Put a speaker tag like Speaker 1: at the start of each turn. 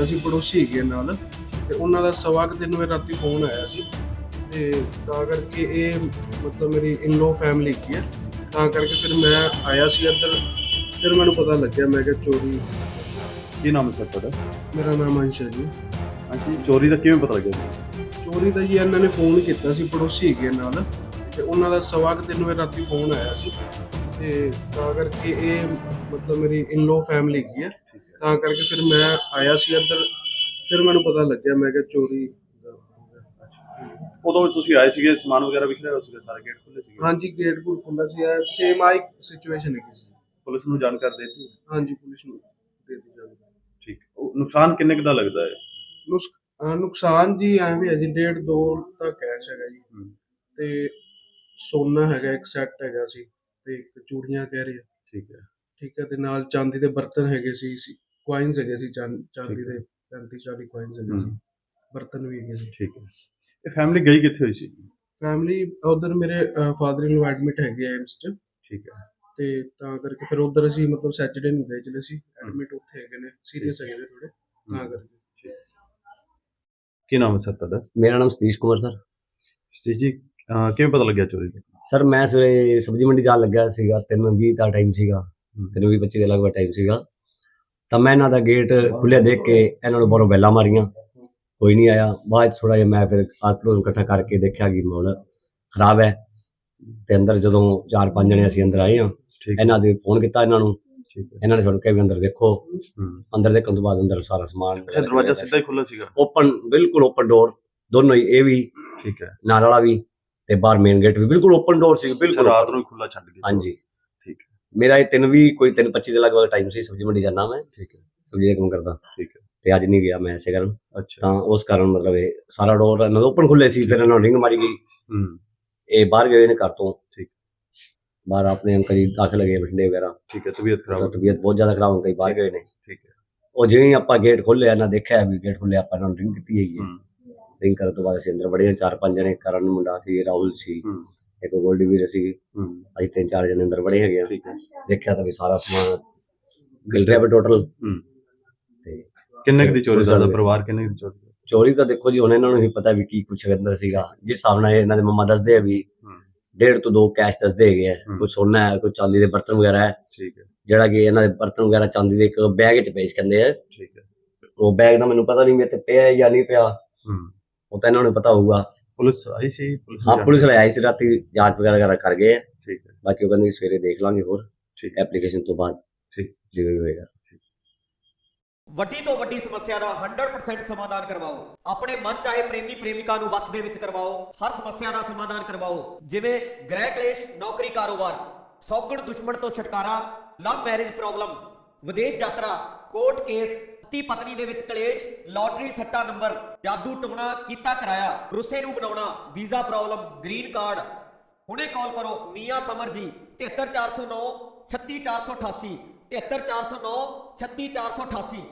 Speaker 1: ਕੀਤਾ ਸੀ, ਪੜੋਸੀ ਹੈਗੇ ਨਾਲ ਤੇ ਉਹਨਾਂ ਦਾ ਸਵਾ ਕੁ 3 ਵਜੇ ਰਾਤੀ ਫੋਨ ਆਇਆ ਸੀ ਤੇ ਤਾਂ ਕਰਕੇ ਇਹ ਮਤਲਬ ਮੇਰੀ ਇਨ-ਲੋ ਫੈਮਿਲੀ ਹੈਗੀ ਹੈ, ਤਾਂ ਕਰਕੇ ਫਿਰ ਮੈਂ ਆਇਆ ਸੀ ਇੱਧਰ। ਫਿਰ ਮੈਨੂੰ ਪਤਾ ਲੱਗਿਆ, ਮੈਂ ਕਿਹਾ ਚੋਰੀ।
Speaker 2: ਕੀ ਨਾਮ ਹੈ ਸਰ ਤੁਹਾਡਾ?
Speaker 1: ਮੇਰਾ ਨਾਮ ਅੰਸ਼ ਹੈ ਜੀ।
Speaker 2: ਹਾਂਜੀ, ਚੋਰੀ ਦਾ ਕਿਵੇਂ ਪਤਾ ਲੱਗਿਆ?
Speaker 1: ਚੋਰੀ ਦਾ ਜੀ ਇਹਨਾਂ ਨੇ ਫੋਨ ਕੀਤਾ ਸੀ, ਪੜੋਸੀ ਹੈਗੇ ਨਾਲ ਤੇ ਉਹਨਾਂ ਦਾ ਸਵਾ ਕੁ 3 ਵਜੇ ਰਾਤੀ ਫੋਨ ਆਇਆ ਸੀ ਤੇ ਤਾਂ ਕਰਕੇ ਇਹ ਮਤਲਬ ਮੇਰੀ ਇਨ-ਲੋ ਫੈਮਿਲੀ ਹੈਗੀ ਹੈ, ਤਾਂ ਕਰਕੇ ਫਿਰ ਮੈਂ ਆਇਆ ਸੀ ਇੱਧਰ। ਫਿਰ ਮੈਨੂੰ ਪਤਾ ਲੱਗਿਆ, ਮੈਂ ਕਿਹਾ ਚੋਰੀ।
Speaker 2: ਉਦੋਂ ਤੁਸੀਂ ਆਏ ਸੀਗੇ, ਸਮਾਨ ਵਗੈਰਾ ਵਿਖਰਿਆ ਹੋਇਆ ਸੀਗਾ, ਸਾਰੇ ਗੇਟ ਖੁੱਲੇ ਸੀਗੇ?
Speaker 1: ਹਾਂਜੀ, ਗੇਟ ਗੁੱਟ ਖੁੱਲ੍ਹਾ ਸੀ। ਸੇਮ ਆਈ ਸਿਚੁਏਸ਼ਨ ਹੈਗੀ ਸੀ।
Speaker 2: ਪੁਲਿਸ ਨੂੰ ਜਾਣਕਾਰੀ ਦੇ ਦਿੱਤੀ?
Speaker 1: ਹਾਂਜੀ, ਪੁਲਿਸ ਨੂੰ ਦੇ ਦਿੱਤੀ ਜਾਵੇ।
Speaker 2: ਠੀਕ। ਉਹ ਨੁਕਸਾਨ ਕਿੰਨੇ ਕੁ ਦਾ ਲੱਗਦਾ ਹੈ?
Speaker 1: ਨੁਕਸਾਨ ਜੀ ਐਵੇਂ ਹੈ ਜੀ, 1.5-2 ਤਾਂ ਕੈਸ਼ ਹੈਗਾ ਜੀ ਤੇ ਸੋਨਾ ਹੈਗਾ, ਇੱਕ ਸੈੱਟ ਹੈਗਾ ਸੀ ਤੇ ਇੱਕ ਚੂੜੀਆਂ ਕਹਿ ਰਹੇ ਆ।
Speaker 2: ਠੀਕ ਹੈ।
Speaker 1: ਠੀਕ ਹੈ, ਤੇ ਨਾਲ ਚਾਂਦੀ ਦੇ ਬਰਤਨ ਹੈਗੇ ਸੀ, ਕੁਆਇਨਸ ਹੈਗੇ ਸੀ, ਚਾਂਦੀ ਦੇ 35-40 ਕੁਆਇਨਸ ਹੈਗੇ ਸੀ, ਬਰਤਨ ਵੀ ਹੈਗੇ ਸੀ।
Speaker 2: ਠੀਕ ਹੈ। ਇਹ ਫੈਮਿਲੀ ਗਈ ਕਿੱਥੇ ਹੋਈ ਸੀ?
Speaker 1: ਫੈਮਿਲੀ ਉਧਰ ਮੇਰੇ ਫਾਦਰ ਇਨ ਲੋ ਐਡਮਿਟ ਹੈਗੇ ਆ ਐਮਸ 'ਚ।
Speaker 2: ਠੀਕ ਹੈ।
Speaker 1: ਤੇ ਤਾਂ ਕਰਕੇ ਫਿਰ ਉਧਰ ਅਸੀਂ ਮਤਲਬ ਸੈਚਰਡੇ ਨੂੰ ਗਏ, ਚਲੇ ਸੀ ਐਡਮਿਟ, ਉੱਥੇ ਹੈਗੇ ਨੇ, ਸੀਰੀਅਸ ਹੈਗੇ ਨੇ ਥੋੜੇ, ਤਾਂ ਕਰਕੇ।
Speaker 2: ਕੀ ਨਾਮ ਹੈ ਸਰ ਤੁਹਾਡਾ?
Speaker 3: ਮੇਰਾ ਨਾਮ ਸਤੀਸ਼ ਕੁਮਾਰ ਸਰ।
Speaker 2: ਸਤੀਸ਼ ਜੀ, ਕਿਵੇਂ ਪਤਾ ਲੱਗਿਆ ਚੋਰੀ ਦਾ?
Speaker 3: ਸਰ ਮੈਂ ਸਵੇਰੇ ਸਬਜ਼ੀ ਮੰਡੀ ਜਾਣ ਲੱਗਿਆ ਸੀਗਾ, 3:20 ਦਾ ਟਾਈਮ ਸੀਗਾ, 3:25 ਦੇ ਲਗਭਗ ਟਾਈਮ ਸੀਗਾ। ਤਾਂ ਮੈਂ ਇਹਨਾਂ ਦਾ ਗੇਟ ਖੁੱਲ੍ਹਿਆ ਦੇਖ ਕੇ ਇਹਨਾਂ ਨੂੰ ਬਾਹਰੋਂ ਬੈਲਾਂ ਮਾਰੀਆਂ, ਕੋਈ ਨਹੀਂ ਆਇਆ। ਬਾਅਦ 'ਚ ਥੋੜ੍ਹਾ ਜਿਹਾ ਮੈਂ ਫਿਰ ਆਟੋ ਇਕੱਠਾ ਕਰਕੇ ਦੇਖਿਆ ਕਿ ਮਾਹੌਲ ਖਰਾਬ ਹੈ, ਤੇ ਅੰਦਰ ਜਦੋਂ 4-5 ਜਣੇ ਅਸੀਂ ਅੰਦਰ ਆਏ ਹਾਂ, ਇਹਨਾਂ ਦੇ ਫੋਨ ਕੀਤਾ ਇਹਨਾਂ ਨੂੰ। ਇਹਨਾਂ ਨੇ ਸਾਨੂੰ ਕਿਹਾ ਵੀ ਅੰਦਰ ਦੇਖੋ। ਅੰਦਰ ਦੇਖਣ ਤੋਂ ਬਾਅਦ ਅੰਦਰ ਸਾਰਾ ਸਮਾਨ,
Speaker 2: ਦਰਵਾਜ਼ਾ ਸਿੱਧਾ ਹੀ ਖੁੱਲ੍ਹਾ ਸੀਗਾ?
Speaker 3: ਓਪਨ, ਬਿਲਕੁਲ ਓਪਨ ਡੋਰ ਦੋਨੋਂ ਹੀ, ਇਹ ਵੀ
Speaker 2: ਠੀਕ ਹੈ,
Speaker 3: ਨਾਲ ਵਾਲਾ ਵੀ ਤੇ ਬਾਹਰ ਮੇਨ ਗੇਟ ਵੀ ਬਿਲਕੁਲ ਓਪਨ ਡੋਰ ਸੀ, ਬਿਲਕੁਲ
Speaker 2: ਰਾਤ ਨੂੰ ਹੀ ਖੁੱਲ੍ਹਾ ਛੱਡ ਗਏ?
Speaker 3: ਹਾਂਜੀ।
Speaker 2: ਠੀਕ ਹੈ।
Speaker 3: ਮੇਰਾ ਇਹ 3:25 ਦੇ ਲਗਭਗ ਟਾਈਮ ਸੀ, ਸਬਜ਼ੀ ਮੰਡੀ ਜਾਣਾ ਮੈਂ।
Speaker 2: ਠੀਕ ਹੈ।
Speaker 3: ਸਬਜ਼ੀ ਦਾ ਕੰਮ ਕਰਦਾ।
Speaker 2: ਠੀਕ ਹੈ।
Speaker 3: ਤੇ ਅੱਜ ਨਹੀਂ ਗਿਆ ਮੈਂ ਇਸੇ ਕਾਰਨ।
Speaker 2: ਅੱਛਾ।
Speaker 3: ਤਾਂ ਉਸ ਕਾਰਨ ਮਤਲਬ ਇਹ ਸਾਰਾ ਡੋਰ ਓਪਨ ਖੁੱਲੇ ਸੀ। ਫਿਰ ਇਹਨਾਂ ਨੂੰ ਰਿੰਗ ਮਾਰੀ ਗਈ, ਇਹ ਬਾਹਰ ਗਏ ਨੇ ਘਰ ਤੋਂ।
Speaker 2: ਠੀਕ।
Speaker 3: ਬਾਹਰ ਆਪਣੇ ਅੰਕਲ ਜੀ ਦਾਖਲ ਹੈਗੇ ਬਠਿੰਡੇ ਵਗੈਰਾ।
Speaker 2: ਠੀਕ ਹੈ। ਤਬੀਅਤ ਖਰਾਬ?
Speaker 3: ਤਬੀਅਤ ਬਹੁਤ ਜ਼ਿਆਦਾ ਖਰਾਬ ਹੋ ਗਈ, ਬਾਹਰ ਗਏ ਨੇ।
Speaker 2: ਠੀਕ ਹੈ।
Speaker 3: ਉਹ ਜਿਵੇਂ ਹੀ ਆਪਾਂ ਗੇਟ ਖੋਲ੍ਹਿਆ, ਇਹਨਾਂ ਦੇਖਿਆ ਵੀ ਗੇਟ ਖੁੱਲਿਆ, ਆਪਾਂ ਇਹਨਾਂ ਨੂੰ ਰਿੰਗ ਕੀਤੀ ਹੈਗੀ ਹੈ। ਰਿੰਗ ਕਰਨ ਤੋਂ ਬਾਅਦ ਅਸੀਂ ਅੰਦਰ ਵੜੇ, 4-5 ਜਣੇ, ਕਰਨ ਮੁੰਡਾ ਸੀ, ਰਾਹੁਲ ਸੀ, ਇੱਕ ਗੋਲਡੀ ਵੀਰ ਸੀ, ਅਸੀਂ 3-4 ਜਣੇ ਅੰਦਰ ਵੜੇ ਹੈਗੇ ਆ। ਦੇਖਿਆ ਤਾਂ ਵੀ ਸਾਰਾ ਸਮਾਨ ਗਿਲ ਰਿਹਾ ਵਾ ਟੋਟਲ। ਤੇ
Speaker 2: ਕਿੰਨੇ ਕੁ ਦੀ ਚੋਰੀ ਦਾ ਪਰਿਵਾਰ, ਕਿੰਨੇ ਦੀ ਚੋਰੀ?
Speaker 3: ਚੋਰੀ ਤਾਂ ਦੇਖੋ ਜੀ, ਹੁਣ ਇਹਨਾਂ ਨੂੰ ਹੀ ਪਤਾ ਵੀ ਕੀ ਕੁਛ ਅੰਦਰ ਸੀਗਾ। ਜਿਸ ਹਿਸਾਬ ਨਾਲ ਇਹਨਾਂ ਦੇ ਮੰਮਾ ਦੱਸਦੇ ਆ ਵੀ 1.5 ਤੋਂ 2 ਕੈਸ਼ ਦੱਸਦੇ ਹੈਗੇ ਆ, ਕੁਛ ਸੋਨਾ ਹੈ, ਕੁਛ ਚਾਂਦੀ ਦੇ ਬਰਤਨ ਵਗੈਰਾ ਹੈ।
Speaker 2: ਠੀਕ ਹੈ।
Speaker 3: ਜਿਹੜਾ ਕਿ ਇਹਨਾਂ ਦੇ ਬਰਤਨ ਵਗੈਰਾ ਚਾਂਦੀ ਦੇ ਇੱਕ ਬੈਗ 'ਚ ਪੇਸ਼ ਕਹਿੰਦੇ ਆ।
Speaker 2: ਠੀਕ ਹੈ।
Speaker 3: ਉਹ ਬੈਗ ਦਾ ਮੈਨੂੰ ਪਤਾ ਨਹੀਂ ਮੇਰੇ ਤੇ ਪਿਆ ਜਾਂ ਨਹੀਂ ਪਿਆ, ਉਹ ਤਾਂ ਇਹਨਾਂ ਨੂੰ ਪਤਾ ਹੋਊਗਾ।
Speaker 2: ਪੁਲਿਸ ਆਈ ਸੀ?
Speaker 3: ਹਾਂ, ਪੁਲਿਸ ਵਾਲੇ ਆਈ ਸੀ ਰਾਤੀ, ਜਾਂਚ ਵਗੈਰਾ ਕਰ ਗਏ ਆ।
Speaker 2: ਠੀਕ ਹੈ।
Speaker 3: ਬਾਕੀ ਉਹ ਕਹਿੰਦੇ ਸਵੇਰੇ ਦੇਖ ਲਾਂਗੇ ਹੋਰ।
Speaker 2: ਠੀਕ।
Speaker 3: ਐਪਲੀਕੇਸ਼ਨ ਤੋਂ ਬਾਅਦ ਜਿਵੇਂ ਹੋਏਗਾ।
Speaker 4: ਵੱਡੀ ਤੋਂ ਵੱਡੀ ਸਮੱਸਿਆ ਦਾ 100% ਸਮਾਧਾਨ ਕਰਵਾਓ। ਆਪਣੇ ਮਨ ਚਾਹੇ ਪ੍ਰੇਮੀ ਪ੍ਰੇਮਿਕਾ ਨੂੰ ਵਸ ਦੇ ਵਿੱਚ ਕਰਵਾਓ। ਹਰ ਸਮੱਸਿਆ ਦਾ ਸਮਾਧਾਨ ਕਰਵਾਓ, ਜਿਵੇਂ ਗ੍ਰਹਿ ਕਲੇਸ਼, ਨੌਕਰੀ, ਕਾਰੋਬਾਰ, ਸੌਗਣ ਦੁਸ਼ਮਣ ਤੋਂ ਛੁਟਕਾਰਾ, ਲਵ ਮੈਰਿਜ ਪ੍ਰੋਬਲਮ, ਵਿਦੇਸ਼ ਯਾਤਰਾ, ਕੋਰਟ ਕੇਸ, ਪਤੀ ਪਤਨੀ ਦੇ ਵਿੱਚ ਕਲੇਸ਼, ਲਾਟਰੀ ਸੱਟਾ ਨੰਬਰ, ਜਾਦੂ ਟੂਣਾ ਕੀਤਾ ਕਰਾਇਆ, ਰੁੱਸੇ ਨੂੰ ਬਣਾਉਣਾ, ਵੀਜ਼ਾ ਪ੍ਰੋਬਲਮ, ਗ੍ਰੀਨ ਕਾਰਡ। ਹੁਣੇ ਕਾਲ ਕਰੋ ਮੀਆਂ ਸਮਰ ਜੀ, 73409 36488, 73409 36488।